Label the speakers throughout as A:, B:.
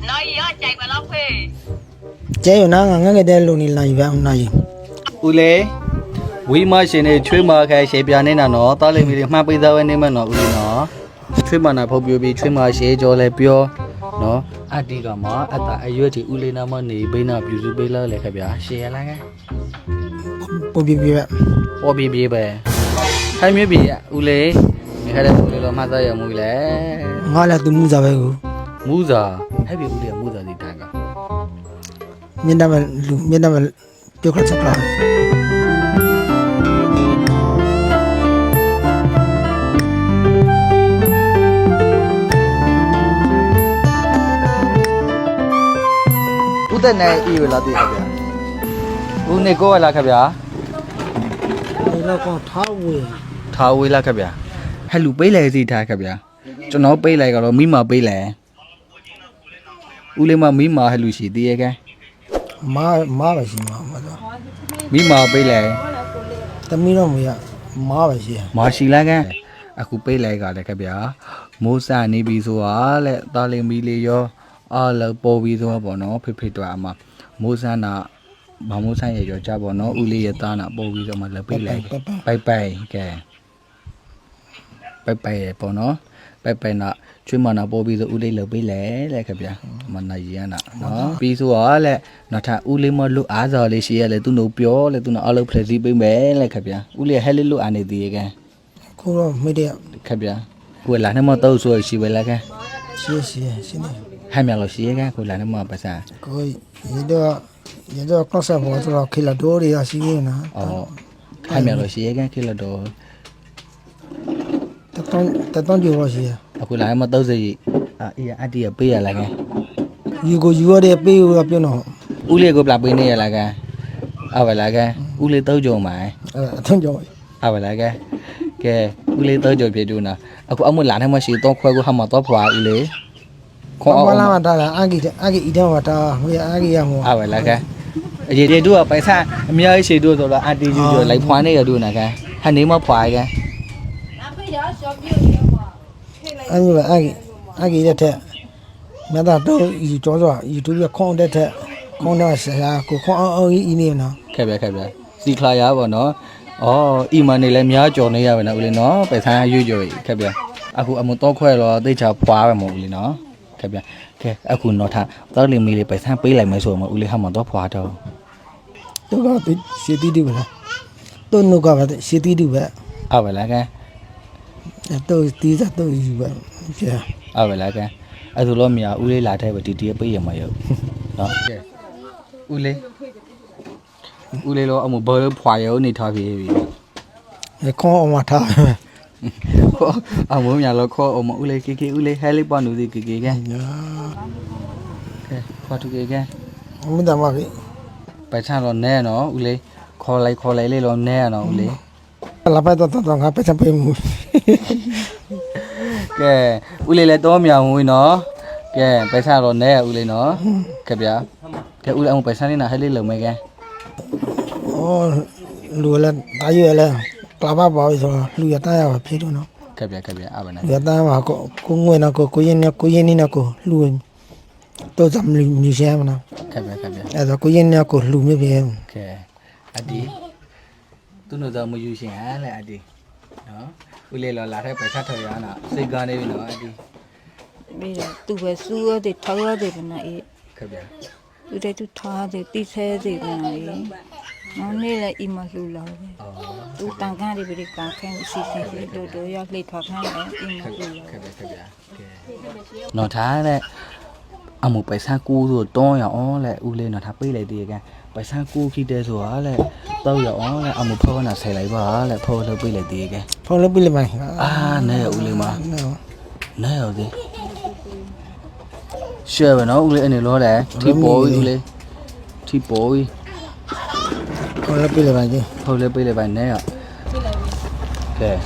A: nói gì á chạy mà lóc phê
B: chế rồi nó ngắn cái đen luôn này vậy hôm nay
C: ule quý mà xin này chơi mà cái sẽ bị anh nào nó tao lên mình mà bây giờ anh em mà nó ule nó chơi mà nào phổ biến bị chơi mà sẽ cho lại biểu nó anh đi cả mà anh ta ai yêu thì ule nào mà này bên nào ví dụ bên là lại cái biểu sẽ là cái
B: bố bị vậy
C: ô bị bè hay mấy bị ule mình hay là ule lo mà ra giờ mùi lẽ
B: ngon là tôi mua giờ vậy
C: mua giờ hay bị ule mua giờ gì ta cả
B: miền Nam mà tiêu khát sắp lại
C: ute này yêu là gì vậy u này cô là cái biểu
B: nó còn
C: tháo vui là cái biểu hay lũ bấy lẻ gì ta cái biểu cho nó bấy lẻ cái đó mí mà bấy lẻ u lên mà mí mà hay lũ gì đi cái
B: má vậy gì mà
C: mí mà bấy lẻ
B: tao mi nó mày má vậy gì
C: mà xí là cái aku bấy lẻ cái biểu mua sa này bị số lẹ ta lên mí lấy yo là bò bị số bỏ nó phê toa mà mua sa na mà mua sa vậy cho cha bỏ nó u lấy ta na bò bị số mà là bấy lẻ bay cái bỏ nó bay nè chuyên mà nó bò bị số u lấy là bấy lẻ lại cái biểu mà này gì nè nó bị số lẹ nó thà u lấy mà lúc giờ lấy xí lại tu nấu béo lại tu nấu ăn phải gì bấy mẹ lại cái biểu u lấy hay lấy lúc ăn gì cái
B: cô đó mấy đứa
C: cái biểu quên là nó mà tao rồi xí vậy là cái
B: xí này
C: hai mẹ lo xí cái quên là nó mà bà sa
B: coi giờ đó có sao bỏ cho khi là đố đi à xí nè
C: hai mẹ lo xí cái kia là đồ
B: ta tao chưa bao giờ
C: quên là nó mà tao gì anh đi ở bây là cái
B: yêu đi bây giờ bây nó
C: u lấy cái bạc bên này là cái vậy là cái u lấy tao rồi mà
B: thân rồi
C: vậy là cái u lấy tao rồi phía đâu nè ông muốn làm hay mà xí tao khoai của họ mà tao phá u lấy
B: không làm mà ta là ai ý đâu mà ta bây giờ ai làm
C: vậy là cái vậy đua phải sao mi ấy xí đua rồi là anh đi rồi lấy phá này ở đâu nè cái hay nếu mà phá cái
B: anh như vậy ai ý thế mà ta đâu ý cho rồi ý tôi biết không đấy thế không đâu sẽ cô không ý này nào
C: cái bé xí khai á vào nó iman này làm nhớ cho này vậy nè ule nó phải sao vui rồi cái bé aku muốn to khoe rồi tới chào phá vào một ule nó cái bé cái aku nó thà tới liền mi phải sao bấy lại mấy số mà ule không mà to phá đâu
B: tôi có tôi sẽ đi vậy tôi nó có vậy sẽ đi vậy
C: vậy là cái
B: tôi tí ra tôi vậy
C: vậy là cái tôi lo mi ule lại thay vậy tí bây giờ mà yêu đó ule lo ông một bơ phá yêu này thôi vì
B: không mà thôi
C: muốn nhà lo kho ông ule cái ule hay lấy bao nhiêu gì cái kho thu cái
B: không biết làm gì
C: phải sao lo nè nó ule kho lấy lấy lo nè nó ule
B: là phải tao ngáp phải chăm phải mui
C: cái ule lấy to mèo mui nó cái phải sao lo nè ule nó cái bia cái ule ông phải sao này hay lấy lợn mày cái
B: lùi lên tại vì là bà bảo rồi lùi tay vào phía đó nó
C: cái bia bên này
B: lùi tay vào cô ngồi nào cô yên đi nào cô lùi tôi dám lùi xe mà nào
C: cái bia
B: rồi cô yên nào cô lùi như vậy
C: cái adi tôi nói giờ mới vui xe lại adi đó ule lo là thấy phải sát thời gian nào xây ga này nó adi
D: bây giờ tôi về xưa thì thâu thì bên này
C: cái bia
D: tôi đây tôi thâu thì đi xe thì bên này nó nên là im mà lùi lâu tôi tăng ca thì bị càng khen xì đồ do lấy thoát ngay đấy im mà lùi lâu
C: nó thá đấy một bài sa cu rồi tôi ở lại u lên nó thắp với lại đi cái bài sa cu khi để rồi lại tôi ở lại một phô là xài lại vợ lại phô lại với lại đi cái
B: phong lớp bên mày
C: này u lên mà này ở đi xe mà nó u lên này lo đấy thì bồi u lên thì bồi
B: phong lớp bên mày chứ
C: phô lại với lại bài này à cái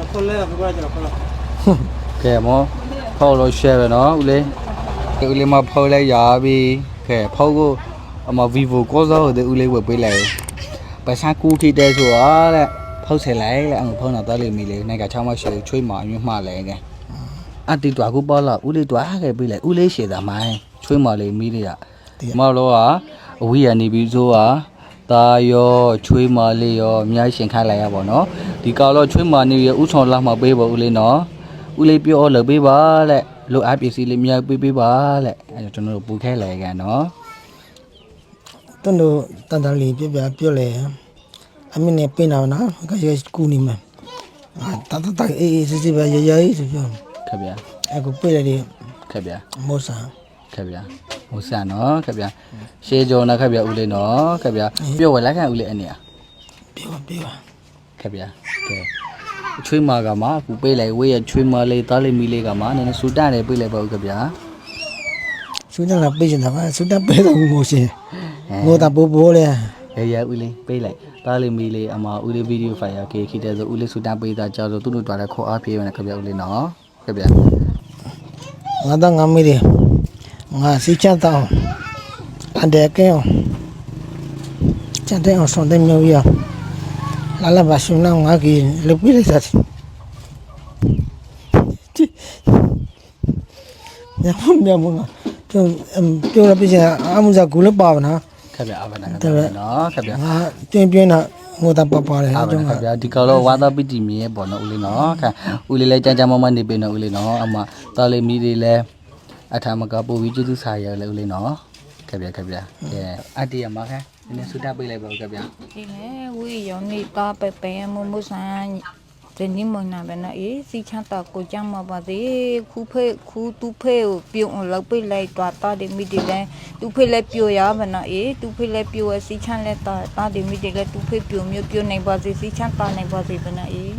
C: cái mà phô rồi xe mà nó u lên cái u lên mà phô lại giờ vì cái phô mà vivo có rồi thì u lên vừa với lại bài sa cu khi để rồi lại phô sẽ lấy lại ăn phô nào tới liền mình này cả trong mà sẽ chui mỏ nhưng mà lại cái anh đi tỏa cũng bao là u lên tỏa cái bây lại u lên sẽ làm mai ချွေးမလေးမိလေးရမလို့ကအဝေးရနေပြီးဆိုတာတာရောချွေးမလေးရောအများရှင်ခိုင်းလိုက်ရပါတော့ဒီကောင်တော့ချွေးမနေရဥဆောင်လာမှပေးပါဦးလေးနော်ဦးလေးပြောလို့ပေးပါလက်လို့အပစ္စည်းလေးများပေးပါလက်အဲကျွန်တော်တို့ပူခဲလိုက်ကန်နော်
B: တွန်းတို့တန်တန်လေးပြပြပြောလေအမင်းနဲ့ပြင်အောင်နော်ကရကူနေမှာတတ်တတ်အေးစစ်စစ်ပဲရရဆိုပြော
C: ခက်ဗျာ
B: အခုပြရတယ်
C: ခက်ဗျာ
B: မောဆာ
C: ခက်ဗျာဟိုဆန်နော်ခက်ဗျာရှေးကြော်နော်ခက်ဗျာဦးလေးနော်ခက်ဗျာပြောဝယ်လိုက်ခံဦးလေးအနေอ่ะ
B: ပြော
C: ခက်ဗျာကဲချွေးမကမှအခုပေးလိုက်ဝေးရချွေးမလေးသားလေးမီလေးကမှနည်းနည်းစူတန်တယ်ပေးလိုက်ပါဦးခက်ဗျာ
B: စူတန်လာပေးနေတာပါစူတန်ပေးတော့မို့ရှင်မို့တာပိုးပိုးလေ
C: ရဦးလေးပေးလိုက်သားလေးမီလေးအမဦးလေးဗီဒီယိုဖိုင်ရကေခိတဲ့ဆိုဦးလေးစူတန်ပေးတာကြောက်လို့သူတို့တွားတဲ့ခေါ်အားပြေးရမယ်ခက်ဗျာဦးလေးနော်ခက်ဗျာ
B: ငါတော့ငါမေးတယ်ငါစီချမ်းတောင်းအန်တဲ့ကဲချမ်းတဲ့အောင်ဆွန်တဲ့မျိုးရလာလာပါရှင်လာငါကြီးလုတ်ပြလိုက်စားညမနာပြောရပြချင်အမှုစားကူလည်းပါပါနော်
C: ခက်ဗျာအဘနာနော်ခက်ဗျာ
B: ငါပြင်းတာငိုတာပါပါတယ်
C: အားပါခက်ဗျာဒီကတော့ဝါသားပီတီမြေပေါ့နော်ဦးလေးနော်ခက်ဦးလေးလည်းကြမ်းကြမ်းမမနေပြီနော်ဦးလေးနော်အမသားလေးမီလေးလည်းအထာမကပို့ပြီးကျေးဇူးစာရလေဦးလေးနော်ခက်ဗျာကဲအတီးရမှာခက်နည်းနည်းဆူတာပေးလိုက်ပါဦးခက်ဗျာ
D: ဒီလေဝီယောနေတာပဲမမဆန်ဒီနိမနာဘနာအေးစီချတာကိုကြမ်းမပါသေးခုတူဖေကိုပြုံလောက်ပိလိုက်တော့တာဒီမီဒီလဲတူဖေလဲပြိုရဘနာအေးတူဖေလဲပြိုစီချန်လဲတာဒီမီဒီလဲတူဖေပြိုမျိုးပြိုနိုင်ပါစေစီချန်တာနိုင်ပါစေဘနာအေး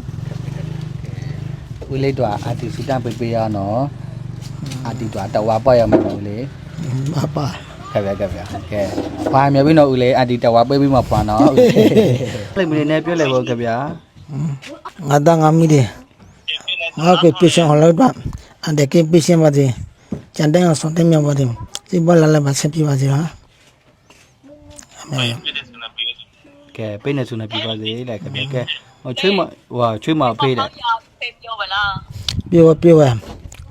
C: ဦးလေးတော့အတီးဆူတာပေးရနော်အတီးတော့တဝါပေါ့ရမှာဦးလေး
B: ပါပါ
C: ခက်ဗျာကဲဘာမြပြီနော်ဦးလေးအတီးတဝါပေးပြီးမှဖွာနော်ဦးလေးမင်းနဲ့ပြောလိုက်ပါဦးခက်ဗျာ
B: ငါတော့ငါမိတယ်ငါကပြရှင်ဟောလို့တော့အန်တဲ့ကပြရှင်ပါတယ်ကျန်တဲ့အောင်ဆွန်တဲ့မြောက်ပါတယ်စိတ်ဘလာလာပါဆက်ပြပါစေဟာအမေ
C: ကဲပေးနေစုနေပြပါစေလိုက်ခက်ဗျာကဲဟိုချွေးမချွေးမဖေးတယ်
A: ပြောပါလား
B: ပြောရပြောရ
A: အာ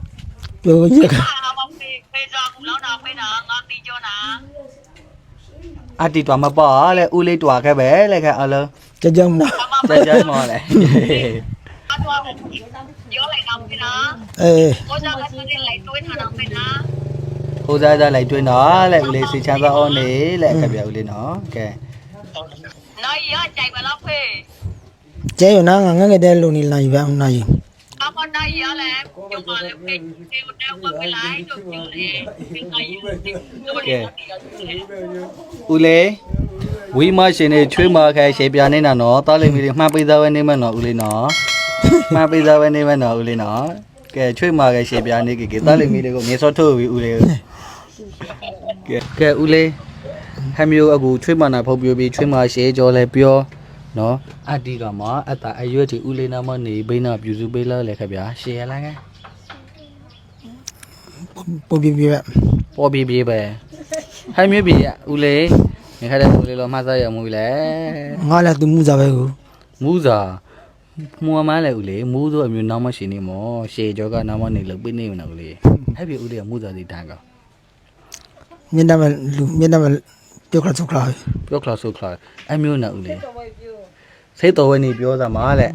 A: မဖေးစားဘူးလောက်တာဖေးတာငါတီးကြောနာ
C: အတီတော်မပေါ့လေဦးလေးတွားခဲ့ပဲလေခက်အလုံး
B: ကြမလား
C: ကြမောလေ
A: အတော့ပြောလိုက်တော့ဖေးလား
B: အေး
A: ကိုစားကစတဲ့လိုက်တွေးထားတော့ဖေးလား
C: ဟိုစားစားလိုက်တွင်းတော့လေဦးလေးစီချမ်းသာအောင်နေလေခက်ပြဦးလေးနော်ကဲ
A: နိုင်ရကြိုက်ပါလားဖေး
B: ကျဲရနာငါငငယ်တဲ့လူနေလာယူပါအောင်နိုင်
A: အမနိုင်ရလဲပြောပါလေဖေးဒီတော့ဝက်လိုက်တော့ပြောလေဖေးနိုင်ရတော့လေ
C: ဦးလေးဝီမရှင်နေချွေးမခိုင်ရှေပြနေတာနော်တားလိမ့်မီလေးမှန်ပေးသားပဲနေမယ်နော်ဦးလေးနော်မှန်ပေးသားပဲနေမယ်နော်ဦးလေးနော်ကဲချွေးမခိုင်ရှေပြနေကေတားလိမ့်မီလေးကိုမြေစောထုတ်ပြီးဦးလေးကဲဦးလေးဟမျိုးအခုချွေးမနာဖုတ်ပြပြီးချွေးမရှေကြောလဲပြောနော်အတီကမှာအတာအရွက်တီဦးလေးနာမနေဘိနာပြူစုပေးလာလေခဗျာရှေရလားကဲ
B: ပို့ပြပြ
C: ပေါ်ပြပြပဲဟမျိုးပြဦးလေးနေခတဲ့ဦးလေးလောမှစားရမှုလေ
B: ငါလည်းသူမှုစားပဲကို
C: မူးစာမူမလဲဦးလေမူးဆိုအမျိုးနောက်မရှိနေမောရှေကြောကနောက်မနေလို့ပြနေမနော်ဦးလေဟဲ့ပြဦးလေးကမူးစာစီတန်းက
B: မျက်နှာမလူမျက်နှာမပြောခလာဆိုခလာ
C: ပြောခလာဆိုခလာအမျိုးနော်ဦးလေစိတ်တော်ဝဲနေပြောစားမှာလေ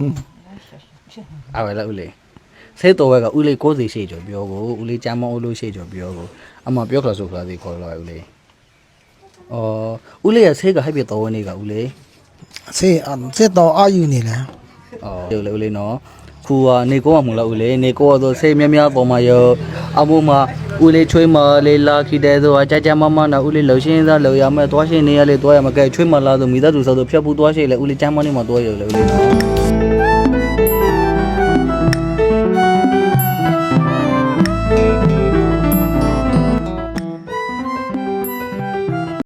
C: အဲ့လေဦးလေစိတ်တော်ဝဲကဦးလေး60ရှေ့ကျော်ပြောကိုဦးလေးကြမ်းမောဦးလို့ရှေ့ကျော်ပြောကိုအမပြောခလာဆိုခလာစီခေါ်လာဦးလေဦးလေးရဲ့ဆေးကဟဲ့ပြတော်ဝဲနေကဦးလေ
B: စေစေတော့အာယူနေလား
C: ဟုတ်လေဦးလေးနော်ခုကနေကောမှမလားဦးလေးနေကောတော့ဆေးများများပေါ်မှာရောအမိုးမှာဦးလေးချွေးမလေးလာခိတဲ့ဆိုအကြကြမမနာဦးလေးလှရှင်းသားလှရမယ်သွားရှင်းနေရလေသွားရမကဲချွေးမလာဆိုမိသားစုဆိုဖြတ်ဖို့သွားရှင်းလေဦးလေးချမ်းမနေမှာသွားရလေဦးလေးနော်